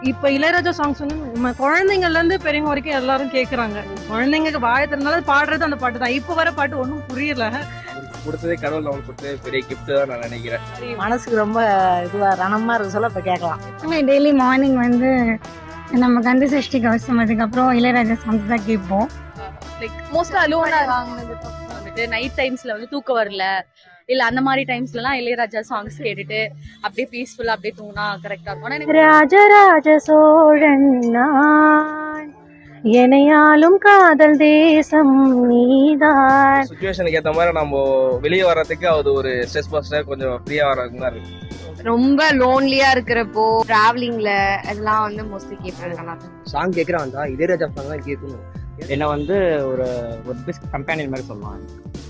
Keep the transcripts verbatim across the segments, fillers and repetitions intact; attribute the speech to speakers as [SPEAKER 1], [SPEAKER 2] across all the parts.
[SPEAKER 1] இப்ப இளையராஜா சாங்ஸ் வந்து நம்ம குழந்தைங்கள்ல இருந்து பெரியவங்க வரைக்கும் எல்லாரும் கேக்குறாங்க. குழந்தைங்களுக்கு வாய திறந்தாலும் பாடுறது அந்த பாட்டு தான். இப்ப வர பாட்டு ஒன்றும் புரியல.
[SPEAKER 2] கொடுத்ததே கடவுள் அவங்களுக்கு கொடுத்ததே பெரிய கிஃப்ட் தான் நான் நினைக்கிறேன்.
[SPEAKER 3] மனசுக்கு ரொம்ப இதுவா ரணமா இருக்கு சொல்ல இப்ப கேட்கலாம்.
[SPEAKER 4] டெய்லி மார்னிங் வந்து நம்ம கந்த சஷ்டி கவசம் அதுக்கப்புறம் இளையராஜா சாங்ஸ் தான் கேட்போம்.
[SPEAKER 5] லைக் மோஸ்டா அலோனா வந்துட்டு நைட் டைம்ஸ்ல வந்து தூக்கம் வரல இல்ல அந்த மாதிரி டைம்ஸ்லாம் இளையராஜா சாங்ஸ் கேட்டுட்டு அப்படியே பீஸ்ஃபுல்லா அப்படியே தூங்கினா கரெக்டா இருக்கும்.
[SPEAKER 3] ராஜராஜ சோழன் நான், எனையாலும் காதல் தேசம் நீதான்.
[SPEAKER 2] சிச்சுவேஷனுக்கு ஏற்ற மாதிரி நம்ம வெளியே வர்றதுக்கு அது ஒரு ஸ்ட்ரெஸ் பஸ்டர், கொஞ்சம் ஃப்ரீயா வர்றதுக்கு தான் இருக்கு.
[SPEAKER 6] ரொம்ப லோன்லியா இருக்கிறப்போ டிராவலிங்ல அதெல்லாம் வந்து மோஸ்ட்லி கேட்பேன்.
[SPEAKER 7] சாங் கேட்கறான் தான் இளையராஜா சாங் தான் கேட்கணும். என்ன வந்து ஒரு ஒரு பெஸ்ட் கம்பெனியன் மாதிரி சொல்லலாம்.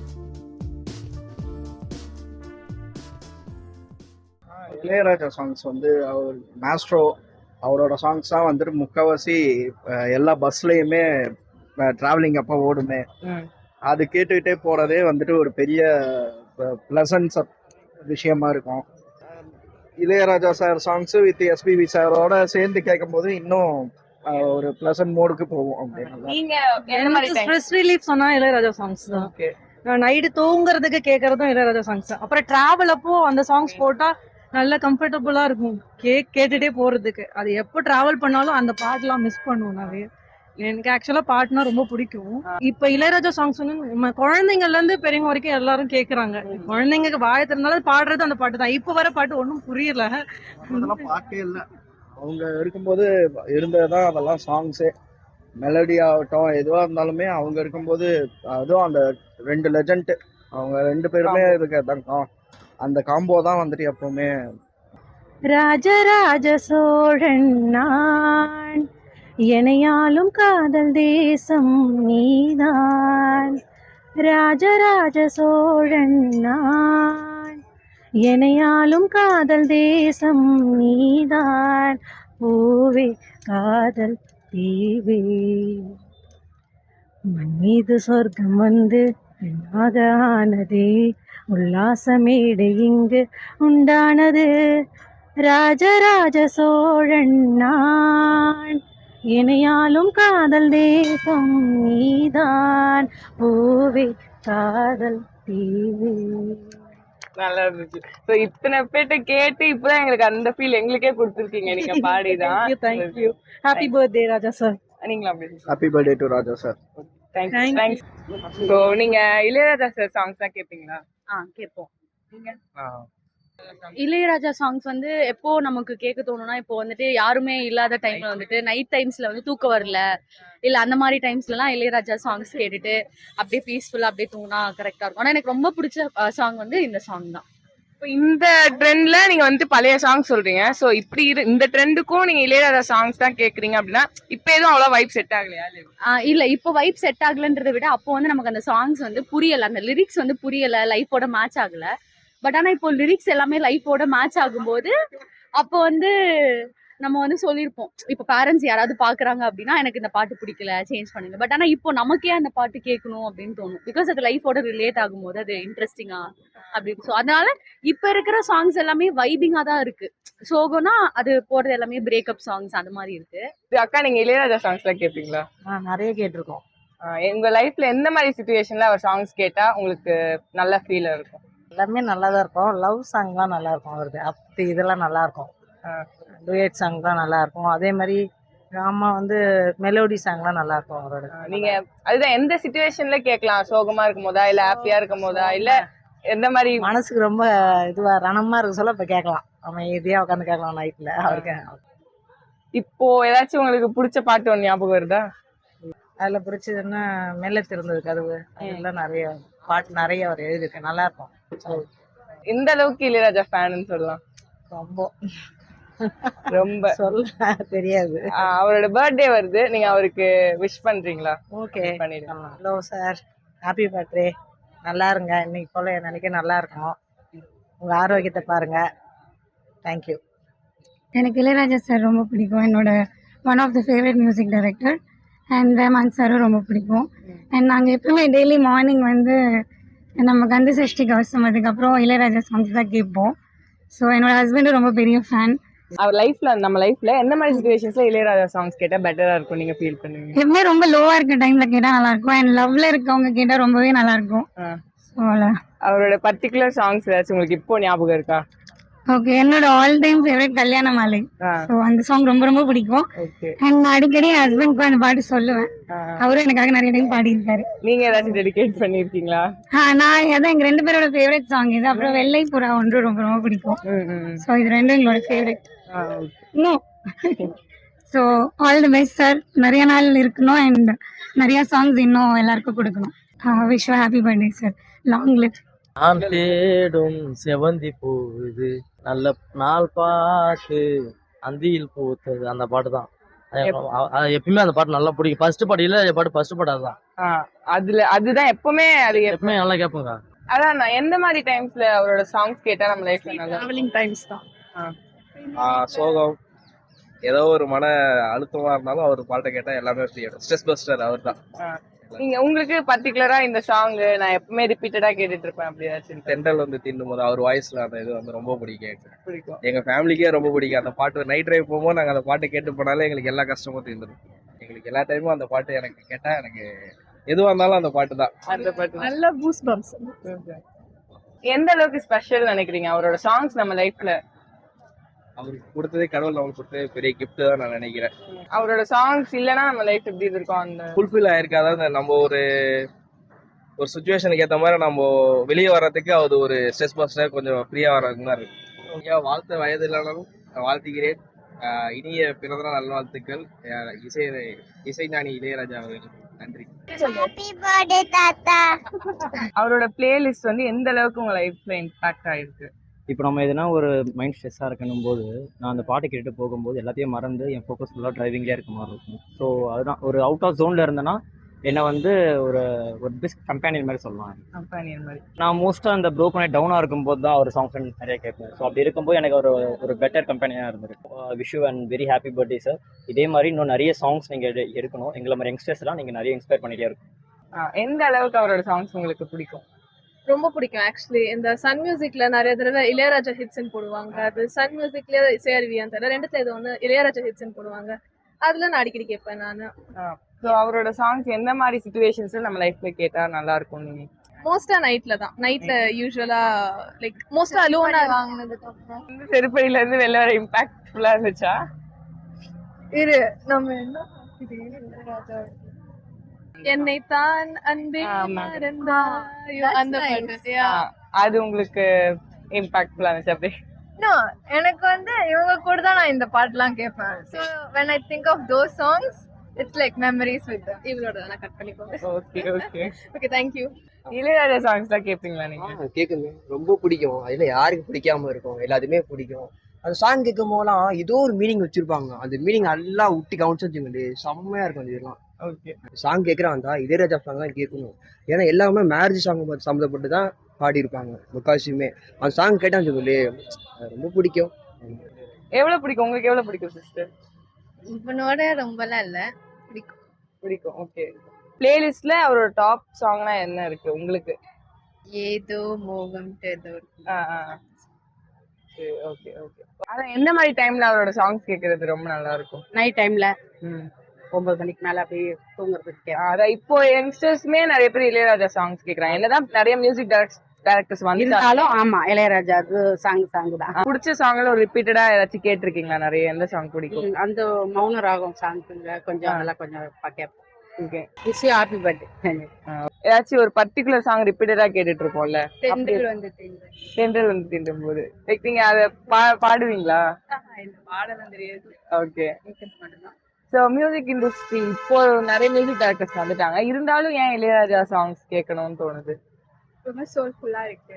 [SPEAKER 8] இளையராஜா சாங்ஸ் வந்து அவர் மாஸ்ட்ரோ, அவரோட சாங்ஸ் தான் வந்துட்டு முக்கால்வாசி எல்லா பஸ்லயுமே டிராவலிங் அப்போ ஓடுமே. அது கேட்டுக்கிட்டே போறதே வந்துட்டு ஒரு பெரிய பிளசன்ஸ் விஷயமா இருக்கும். Ilaiyaraaja sir songs with SPB சாரோட சேர்ந்து கேட்கும் போது இன்னும் ஒரு பிளசன்ட் மோடுக்கு போவோம்.
[SPEAKER 5] நீங்க
[SPEAKER 1] ஸ்ட்ரெஸ் ரிலீஃப் சொன்னா இளையராஜா சாங்ஸ் தான். நைட்டு தூங்குறதுக்கு கேட்கறதும் இளையராஜா சாங்ஸ். அப்புறம் டிராவல் அப்போ அந்த சாங்ஸ் போட்டா நல்ல கம்ஃபர்டபுளா இருக்கும் கே கேட்டுட்டே போறதுக்கு. அது எப்போ டிராவல் பண்ணாலும் அந்த பாட்டுலாம் மிஸ் பண்ணுவோம் நிறைய. எனக்கு ஆக்சுவலா பாட்டுனா ரொம்ப பிடிக்கும். இப்ப இளையராஜா சாங்ஸ் வந்து நம்ம குழந்தைங்கள்ல இருந்து பெரியவங்க வரைக்கும் எல்லாரும் கேக்குறாங்க. குழந்தைங்களுக்கு வாய திறந்தாலும் பாடுறது அந்த பாட்டு தான். இப்ப வர பாட்டு ஒன்றும் புரியல.
[SPEAKER 8] அதெல்லாம் பாட்டே இல்லை, அவங்க இருக்கும்போது இருந்ததுதான் அதெல்லாம் சாங்ஸே. மெலடி ஆகட்டும் எதுவா இருந்தாலுமே அவங்க இருக்கும்போது, அதுவும் அந்த ரெண்டு லெஜண்ட் அவங்க ரெண்டு பேருமே இருக்க அந்த காம்போ தான் வந்துட்டு எப்பவுமே.
[SPEAKER 3] ராஜராஜ சோழன் நான், எனையாலும் காதல் தேசம் நீதான். ராஜராஜ சோழன் நான், எனையாலும் காதல் தேசம் நீதான். பூவே காதல் தீவே, மண் மீது சொர்க்கம் வந்து பெண்ணாக ஆனதே, உல்லாசமேடு இங்கு உண்டானது. ராஜராஜ சோழன் நான், இணையாலும் காதல் தேசம் நீதான். பூவே காதல் தீவே.
[SPEAKER 9] நல்லா இருந்துச்சு. சோ இத்தனை பேட்ட கேட்டு இப்பதான் எங்களுக்கு அந்த ஃபீல் எங்களுக்கே கொடுத்துருக்கீங்க நீங்க பாடிதான்.
[SPEAKER 1] Thank you. Happy birthday Raja sir.
[SPEAKER 9] நீங்களா அப்படி
[SPEAKER 8] happy birthday to Raja sir.
[SPEAKER 9] Thanks thanks. So நீங்க இளையராஜா சார் சாங்ஸ் தான் கேட்பீங்களா?
[SPEAKER 5] ஆ கேட்போம். நீங்க இளையராஜா சாங்ஸ் வந்து எப்போ நமக்கு கேட்க தோணும்னா இப்போ வந்துட்டு யாருமே இல்லாத டைம்ல வந்துட்டு நைட் டைம்ஸ்ல வந்து தூக்கம் வரல இல்ல அந்த மாதிரி டைம்ஸ்லாம் இளையராஜா சாங்ஸ் கேட்டுட்டு அப்படியே பீஸ்ஃபுல்லா அப்படியே தூங்கினா கரெக்டா இருக்கும். ஆனா எனக்கு ரொம்ப பிடிச்ச சாங் வந்து இந்த சாங் தான்.
[SPEAKER 9] இப்போ இந்த ட்ரெண்ட்ல நீங்க வந்து பழைய சாங் சொல்றீங்க. சோ இப்படி இந்த ட்ரெண்டுக்கும் நீங்க இளையராஜா சாங்ஸ் தான் கேக்குறீங்க அப்படின்னா இப்ப எதுவும் அவ்வளவு வைப் செட் ஆகலையா?
[SPEAKER 5] இல்ல இப்போ வைப் செட் ஆகலன்றதை விட அப்போ வந்து நமக்கு அந்த சாங்ஸ் வந்து புரியல, அந்த லிரிக்ஸ் வந்து புரியல, லைஃபோட மேட்ச் ஆகல. பட் ஆனா இப்போ லிரிக்ஸ் எல்லாமே லைஃபோட மேட்ச் ஆகும்போது அப்போ வந்து நம்ம வந்து சொல்லியிருப்போம், இப்போ பேரண்ட்ஸ் யாராவது பாக்குறாங்க அப்படின்னா எனக்கு இந்த பாட்டு பிடிக்கல சேஞ்ச் பண்ணுங்க. பட் ஆனா இப்போ நமக்கே அந்த பாட்டு கேட்கணும் அப்படின்னு தோணும். பிகாஸ் அது லைஃபோட ரிலேட் ஆகும்போது அது இன்ட்ரெஸ்டிங்கா அப்படின்னு. ஸோ அதனால இப்ப இருக்கிற சாங்ஸ் எல்லாமே வைபிங்கா தான் இருக்கு. சோகம்னா அது போறது எல்லாமே பிரேக்கப் சாங்ஸ் அந்த மாதிரி இருக்கு.
[SPEAKER 9] அக்கா நீங்க இளையராஜா சாங்ஸ் எல்லாம் கேட்பீங்களா?
[SPEAKER 3] நிறைய கேட்டிருக்கோம்.
[SPEAKER 9] எங்க லைஃப்ல எந்த மாதிரி சிச்சுவேஷன்ல அவர் சாங்ஸ் கேட்டா உங்களுக்கு நல்ல ஃபீல் இருக்கும்?
[SPEAKER 3] எல்லாமே நல்லா தான் இருக்கும். லவ் சாங்லாம் நல்லா இருக்கும் அவருக்கு. அப்படி இதெல்லாம் நல்லா இருக்கும். டூயட் சாங் தான் நல்லா இருக்கும். அதே மாதிரி ட்ராமா வந்து மெலோடி சாங்லாம் நல்லா இருக்கும் அவரோட.
[SPEAKER 9] நீங்க அதுதான் எந்த சிச்சுவேஷன்ல கேட்கலாம்? சோகமா இருக்கும் போதா இல்ல ஹாப்பியா இருக்கும் போதா இல்ல எந்த மாதிரி?
[SPEAKER 3] மனசுக்கு ரொம்ப இதுவா ரணமா இருக்கு சொல்ல இப்ப கேட்கலாம். அவன் எதையா உட்காந்து கேட்கலாம் நைட்ல அவருக்கு.
[SPEAKER 9] இப்போ ஏதாச்சும் உங்களுக்கு பிடிச்ச பாட்டு ஒன்று ஞாபகம் வருதா?
[SPEAKER 3] அதுல பிடிச்சதுன்னா மெல்ல திறந்தது கதவு. அதெல்லாம் நிறைய பாட்டு நிறைய அவர் எழுதிருக்கு, நல்லா இருக்கும்.
[SPEAKER 9] இந்த அளவுக்கு இளையராஜா ஃபேன்னு சொல்லலாம்.
[SPEAKER 3] ரொம்ப
[SPEAKER 9] ரொம்ப
[SPEAKER 3] சொல்ல தெரியாது.
[SPEAKER 9] அவரோட பர்த்டே வருது, நீங்க அவருக்கு விஷ் பண்றீங்களா?
[SPEAKER 3] ஓகே பண்ணிடுங்க. Hello sir, happy birthday. நல்லா இருங்க, இன்னைக்கு போல நினைக்க நல்லா இருக்கும். உங்க ஆரோக்கியத்தை பாருங்க. தேங்க்யூ.
[SPEAKER 4] எனக்கு இளையராஜா சார் ரொம்ப பிடிக்கும். என்னோட one of the favourite music director. And Rahman சாரும் ரொம்ப பிடிக்கும். அண்ட் நாங்கள் எப்பவுமே டெய்லி மார்னிங் வந்து நம்ம கந்த சஷ்டி கவசம் அதுக்கப்புறம் இளையராஜா சாங்ஸ் தான் கேட்போம். ஸோ என்னோட ஹஸ்பண்டும் ரொம்ப பெரிய ஃபேன்.
[SPEAKER 9] அவர் லைஃப்ல நம்ம லைஃப்ல எந்த மாதிரி சுச்சுவேஷன்ஸ்ல இளையராஜா சாங்ஸ் கேட்டா பெட்டரா இருக்கும் நீங்க ஃபீல் பண்ணுவீங்க?
[SPEAKER 4] எப்பவுமே ரொம்ப லோவா இருக்க டைம்ல கேட்டா நல்லா இருக்கும் அண்ட் லவ்ல இருக்கவங்க கேட்டா ரொம்பவே நல்லா இருக்கும். So,
[SPEAKER 9] அவரோட பர்டிகுலர் சாங்ஸ் ஏதாச்சும் உங்களுக்கு இப்போ ஞாபகம் இருக்கா?
[SPEAKER 4] ஓகே, என்னோட ஆல் டைம் ஃபேவரட் கல்யாண மாலை. ஸோ அந்த சாங் ரொம்ப ரொம்ப பிடிக்கும். அண்ட் நான் அடிக்கடி என் ஹஸ்பண்ட்க்கு அந்த பாட்டு சொல்லுவேன். அவரும் எனக்காக நிறைய டைம் பாடியிருக்காரு.
[SPEAKER 9] நீங்க ஏதாச்சும் டெடிகேட் பண்ணிருக்கீங்களா?
[SPEAKER 4] ஆ நான் அதான் எங்க ரெண்டு பேரோட ஃபேவரட் சாங் இது. அப்புறம் வெள்ளை புறா ஒன்று ரொம்ப ரொம்ப பிடிக்கும். ஸோ இது ரெண்டும் எங்களோட ஃபேவரட். இன்னும் so all the best sir. நிறைய நாள் இருக்கணும் அண்ட் நிறைய சாங்ஸ் இன்னும் எல்லாருக்கும் கொடுக்கணும். Wish happy birthday sir. Long live.
[SPEAKER 10] நான் தேடும் செவந்தி பூது நல்ல நாள் பாட்டு அந்தியில் பூத்தது அந்த பாட்டு தான். எப்பயுமே அந்த பாட்டு நல்லா பிடிக்கும். ஃபர்ஸ்ட் பாட்டு இல்ல பாட்டு ஃபர்ஸ்ட் பாட்டு அதுதான்.
[SPEAKER 9] அதுல அதுதான் எப்பவுமே அது
[SPEAKER 10] எப்பவுமே நல்லா கேட்போங்க.
[SPEAKER 9] அதான் நான் எந்த மாதிரி டைம்ஸ்ல அவரோட சாங்ஸ் கேட்டா நம்ம லைஃப்ல நல்லா
[SPEAKER 1] டிராவலிங் டைம்ஸ் தான்.
[SPEAKER 2] சோகம் ஏதோ ஒரு மன அழுத்தமா இருந்தாலும் அவர் பாட்டை கேட்டா எல்லாமே ஸ்ட்ரெஸ் பஸ்டர் அவர் தான்.
[SPEAKER 9] நீங்க உங்களுக்கு பர்டிகுலரா இந்த சாங் நான் எப்பவுமே ரிப்பீட்டடா கேட்டுட்டு இருப்பேன் அப்படி ஏதாச்சும்?
[SPEAKER 2] தென்றல் வந்து தின்னும் போது அவர் வாய்ஸ்ல அந்த இது வந்து ரொம்ப பிடிக்கும்.
[SPEAKER 9] பிடிக்கும்.
[SPEAKER 2] எங்க ஃபேமிலிக்கே ரொம்ப பிடிக்கும் அந்த பாட்டு. நைட் டிரைவ் போகும்போது நாங்க அந்த பாட்டு கேட்டு போனாலே எங்களுக்கு எல்லா கஷ்டமும் தீர்ந்துடும். எங்களுக்கு எல்லா டைமும் அந்த பாட்டு எனக்கு கேட்டா எனக்கு எதுவா இருந்தாலும் அந்த பாட்டு தான்.
[SPEAKER 9] அந்த பாட்டு
[SPEAKER 1] நல்ல பூஸ் பம்ப்ஸ்.
[SPEAKER 9] எந்த அளவுக்கு ஸ்பெஷல் நினைக்கிறீங்க அவரோட சாங்ஸ் நம்ம லைஃப்ல?
[SPEAKER 2] அவருக்கு கொடுத்ததே கடவுள் அவங்களுக்கு கொடுத்ததே பெரிய கிஃப்ட் தான் நான் நினைக்கிறேன்.
[SPEAKER 9] அவரோட சாங்ஸ் இல்லைன்னா நம்ம லைஃப் எப்படி இருக்கும்? அந்த
[SPEAKER 2] ஃபுல்ஃபில் ஆயிருக்கு. அதாவது நம்ம ஒரு ஒரு சுச்சுவேஷனுக்கு ஏற்ற மாதிரி நம்ம வெளியே வர்றதுக்கு அது ஒரு ஸ்ட்ரெஸ் பஸ்டர், கொஞ்சம் ஃப்ரீயா வர்றதுக்கு தான் இருக்கு. வாழ்த்த வயது இல்லைனாலும் வாழ்த்துகிறேன். இனிய பிறந்தநாள் நல்வாழ்த்துக்கள் இசை இசைஞானி இளையராஜா அவர்கள். நன்றி.
[SPEAKER 9] அவரோட பிளேலிஸ்ட் வந்து எந்த அளவுக்கு உங்க லைஃப்ல இம்பாக்ட் ஆயிருக்கு?
[SPEAKER 7] இப்போ நம்ம எதுனா ஒரு மைண்ட் ஸ்ட்ரெஸ்ஸாக இருக்கணும் போது நான் அந்த பாட்டு கேட்டு போகும்போது எல்லாத்தையும் மறந்து என் ஃபோக்கஸ் ஃபுல்லாக டிரைவிங்லேயே இருக்க மாதிரி இருக்கும். ஸோ அதுதான் ஒரு அவுட் ஆஃப் ஜோனில் இருந்தேன்னா என்னை வந்து ஒரு ஒரு பெஸ்ட் கம்பெனியன் மாதிரி சொல்லலாம்.
[SPEAKER 9] கம்பெனியன் மாதிரி
[SPEAKER 7] நான் மோஸ்ட்டாக அந்த ப்ரோ பண்ணி டவுனாக இருக்கும்போது தான் ஒரு சாங்ஸ் நிறைய கேட்பேன். ஸோ அப்படி இருக்கும்போது எனக்கு ஒரு ஒரு பெட்டர் கம்பெனியாக இருந்திருக்கு. Wish you and very happy birthday sir. இதே மாதிரி இன்னும் நிறைய சாங்ஸ் நீங்கள் எடுக்கணும். எங்களை மாதிரி யங்ஸ்டர்ஸ்லாம் நீங்கள் நிறைய இன்ஸ்பயர் பண்ணிகிட்டே இருக்கும்.
[SPEAKER 9] எந்த அளவுக்கு அவரோட சாங்ஸ் உங்களுக்கு பிடிக்கும்?
[SPEAKER 1] ரொம்ப பிடிக்கும். ஆக்சுவலி இந்த சன் மியூசிக்ல நிறைய தடவை இளையராஜா ஹிட்ஸ்ன்னு போடுவாங்க. அது சன் மியூசிக்ல இசையருவியான் தர ரெண்டுத்துல இது வந்து இளையராஜா ஹிட்ஸ்ன்னு போடுவாங்க. அதுல நான் அடிக்கடி கேட்பேன் நான்.
[SPEAKER 9] ஸோ அவரோட சாங்ஸ் எந்த மாதிரி சுச்சுவேஷன்ஸ்ல நம்ம லைஃப்ல கேட்டா நல்லா இருக்கும்? நீங்க
[SPEAKER 1] மோஸ்டா நைட்ல தான். நைட்ல யூசுவலா லைக் மோஸ்டா அலோனா
[SPEAKER 5] வாங்குனதுக்கு அப்புறம்
[SPEAKER 9] இந்த செருப்படியில இருந்து வெளில வர இம்பாக்ட்ஃபுல்லா இருந்துச்சா?
[SPEAKER 1] இரு நம்ம என்ன இளையராஜா என்னை தான் அன்பே மறந்தாயோ அந்த பாட்டு.
[SPEAKER 9] அது உங்களுக்கு இம்பாக்ட்ஃபுல்லா இருந்துச்சு அப்படி?
[SPEAKER 5] No, எனக்கு வந்து இவங்க கூட தான் நான் இந்த பாட்டுலாம் கேட்பேன். So when I think of those songs, it's like memories with them.
[SPEAKER 1] இவளோட நான் கட் பண்ணிக்கோங்க.
[SPEAKER 9] Okay okay
[SPEAKER 1] okay, thank you.
[SPEAKER 9] Ilaiyaraaja songs தான் கேட்பீங்களா நீங்க?
[SPEAKER 11] கேட்குங்க, ரொம்ப பிடிக்கும். அதுல யாருக்கு பிடிக்காம இருக்கும்? எல்லாத்துமே பிடிக்கும். அந்த சாங் கேட்கும் போதெல்லாம் ஏதோ ஒரு மீனிங் வச்சிருப்பாங்க. அந்த மீனிங் நல்லா விட்டு கவனிச்சு வச்சுங்களே செம்மையா இருக்கும். அந்த இதெல்லாம்
[SPEAKER 9] ஓகே
[SPEAKER 11] சாங் கேட்குறான் தான் இளையராஜா சாங் தான் கேட்கணும். ஏன்னா எல்லாமே மேரேஜ் சாங் சம்மந்தப்பட்டு தான் பாடியிருப்பாங்க முக்கால்வாசியுமே. அந்த சாங் கேட்டான்னு வச்சுங்களே ரொம்ப பிடிக்கும்.
[SPEAKER 9] எவ்வளவு பிடிக்கும் உங்களுக்கு? எவ்வளவு பிடிக்கும் சிஸ்டர்?
[SPEAKER 5] இவனோட ரொம்பலாம் இல்ல, பிடிக்கும்
[SPEAKER 9] பிடிக்கும். ஓகே, பிளேலிஸ்ட்ல அவரோட டாப் சாங்னா என்ன இருக்கு உங்களுக்கு?
[SPEAKER 5] ஏதோ மோகம் ஏதோ.
[SPEAKER 9] Okay okay. அதான் எந்த மாதிரி டைம்ல அவரோட சாங்ஸ் கேட்கறது ரொம்ப நல்லா இருக்கும்?
[SPEAKER 12] நைட் டைம்ல ஒன்பது மணிக்கு மேல அப்படியே தூங்குறதுக்கு.
[SPEAKER 9] அதான் இப்போ யங்ஸ்டர்ஸ்மே நிறைய பேர் இளையராஜா சாங்ஸ் கேக்குறாங்க. என்னதான் நிறைய மியூசிக் டைரக்டர்ஸ்
[SPEAKER 12] வந்தாலும் ஆமா இளையராஜா சாங் சாங் தான்.
[SPEAKER 9] பிடிச்ச சாங்ல ஒரு ரிப்பீட்டடா ஏதாச்சும் கேட்டிருக்கீங்களா? நிறைய எந்த சாங் பிடிக்கும்?
[SPEAKER 12] அந்த மௌன ராகம் சாங் கொஞ்சம் அதெல்லாம் கொஞ்சம் கேட்போம்.
[SPEAKER 9] Okay,
[SPEAKER 12] wish you happy birthday.
[SPEAKER 9] ஏதாச்சும் ஒரு பர்டிகுலர் சாங் ரிப்பீட்டடா கேட்டுட்டு இருப்போம்ல,
[SPEAKER 5] தென்றல் வந்து
[SPEAKER 9] தென்றல் வந்து தீண்டும் போது லைக் நீங்க அதை பாடுவீங்களா?
[SPEAKER 5] பாடலாம் தெரியாது.
[SPEAKER 9] ஓகே, ஸோ மியூசிக் இண்டஸ்ட்ரி இப்போ நிறைய மியூசிக் டைரக்டர்ஸ் வந்துட்டாங்க. இருந்தாலும் ஏன் இளையராஜா சாங்ஸ் கேட்கணும்னு தோணுது?
[SPEAKER 5] ரொம்ப சோல்ஃபுல்லா இருக்கு.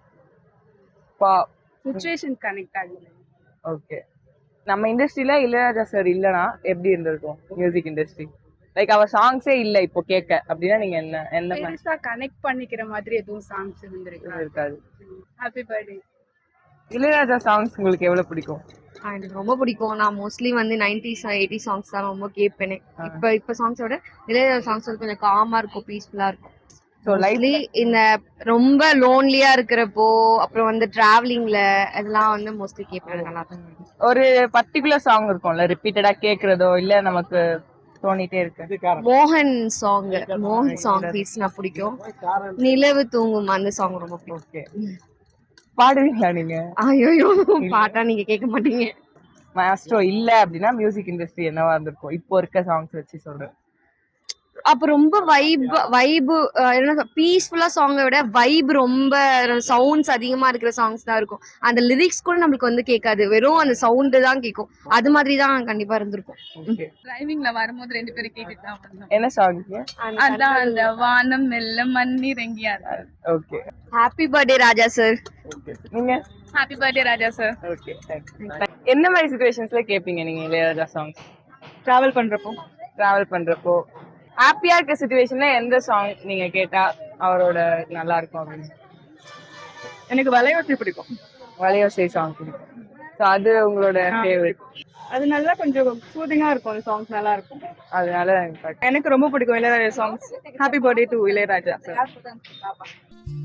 [SPEAKER 12] சிச்சுவேஷன் கனெக்ட் ஆகுது.
[SPEAKER 9] ஓகே, நம்ம இண்டஸ்ட்ரியில இளையராஜா சார் இல்லைன்னா எப்படி இருந்திருக்கும் மியூசிக் இண்டஸ்ட்ரி? லைக் அவர் சாங்ஸே இல்ல இப்போ கேட்க அப்படின்னா நீங்க என்ன என்ன
[SPEAKER 12] பெருசா கனெக்ட் பண்ணிக்கிற மாதிரி எதுவும் சாங்ஸ்
[SPEAKER 9] இருக்காது.
[SPEAKER 5] Happy birthday.
[SPEAKER 9] இளையராஜா சாங்ஸ் உங்களுக்கு எவ்வளவு பிடிக்கும்?
[SPEAKER 6] எனக்கு ரொம்ப பிடிக்கும். நான் மோஸ்ட்லி வந்து நைன்டிஸ் எயிட்டி சாங்ஸ் தான் ரொம்ப கேட்பேனே. இப்ப இப்ப சாங்ஸோட இளையராஜா சாங்ஸ் வந்து கொஞ்சம் காமா இருக்கும், பீஸ்ஃபுல்லா இருக்கும்.
[SPEAKER 9] ஸோ லைஃப்
[SPEAKER 6] மோஸ்ட்லி இந்த ரொம்ப லோன்லியா இருக்கிறப்போ அப்புறம் வந்து டிராவலிங்ல அதெல்லாம் வந்து மோஸ்ட்லி கேட்பேன். நல்லா இருக்கும்.
[SPEAKER 9] ஒரு பர்டிகுலர் சாங் இருக்கும்ல ரிப்பீட்டடா கேக்குறதோ இல்ல நமக்கு தோணிட்டே இருக்கு.
[SPEAKER 6] மோகன் சாங் மோகன் சாங் பீஸ்னா பிடிக்கும். நிலவு தூங்கும் அந்த சாங் ரொம்ப பிடிக்கும்.
[SPEAKER 9] பாடுவீங்களா நீங்க?
[SPEAKER 6] ஐயோ பாட்டா நீங்க கேட்க மாட்டீங்க.
[SPEAKER 9] மாஸ்ட்ரோ இல்ல அப்படின்னா மியூசிக் இண்டஸ்ட்ரி என்னவா இருந்திருக்கும் இப்போ இருக்க சாங்ஸ் வச்சு சொல்றேன்.
[SPEAKER 6] அப்ப ரொம்ப வைப் வைப் என்ன பீஸ்ஃபுல்லா சாங்கை விட வைப் ரொம்ப சவுண்ட்ஸ் அதிகமா இருக்கிற சாங்ஸ் தான் இருக்கும். அந்த லிரிக்ஸ் கூட நம்மளுக்கு வந்து கேட்காது, வெறும் அந்த சவுண்ட் தான் கேட்கும். அது மாதிரி தான் கண்டிப்பா இருந்திருக்கும்.
[SPEAKER 5] டிரைவிங்ல வரும்போது ரெண்டு பேரும் கேட்டுட்டு தான் வந்தோம்.
[SPEAKER 9] என்ன சாங்?
[SPEAKER 5] அதான் அந்த வானம் மெல்ல மண்ணீர் எங்கேயா.
[SPEAKER 9] Okay.
[SPEAKER 6] Happy birthday Raja sir.
[SPEAKER 9] நீங்க?
[SPEAKER 5] Happy birthday Raja sir.
[SPEAKER 9] Okay. என்ன மாதிரி சிச்சுவேஷன்ஸ்ல கேப்பீங்க நீங்க இளையராஜா சாங்ஸ்?
[SPEAKER 12] டிராவல் பண்றப்போ
[SPEAKER 9] டிராவல் பண்றப்போ ஹாப்பியா இருக்க சிச்சுவேஷன்ல எந்த சாங் நீங்க கேட்டா அவரோட நல்லா இருக்கும் அப்படின்னு?
[SPEAKER 12] எனக்கு வலையோசை பிடிக்கும்.
[SPEAKER 9] வலையோசை சாங் பிடிக்கும். ஸோ அது உங்களோட ஃபேவரட்.
[SPEAKER 12] அது நல்லா கொஞ்சம் சூதிங்கா இருக்கும். அந்த சாங்ஸ் நல்லா இருக்கும்.
[SPEAKER 9] அதனால
[SPEAKER 12] எனக்கு ரொம்ப பிடிக்கும் Ilaiyaraaja songs. Happy birthday to Ilaiyaraaja sir.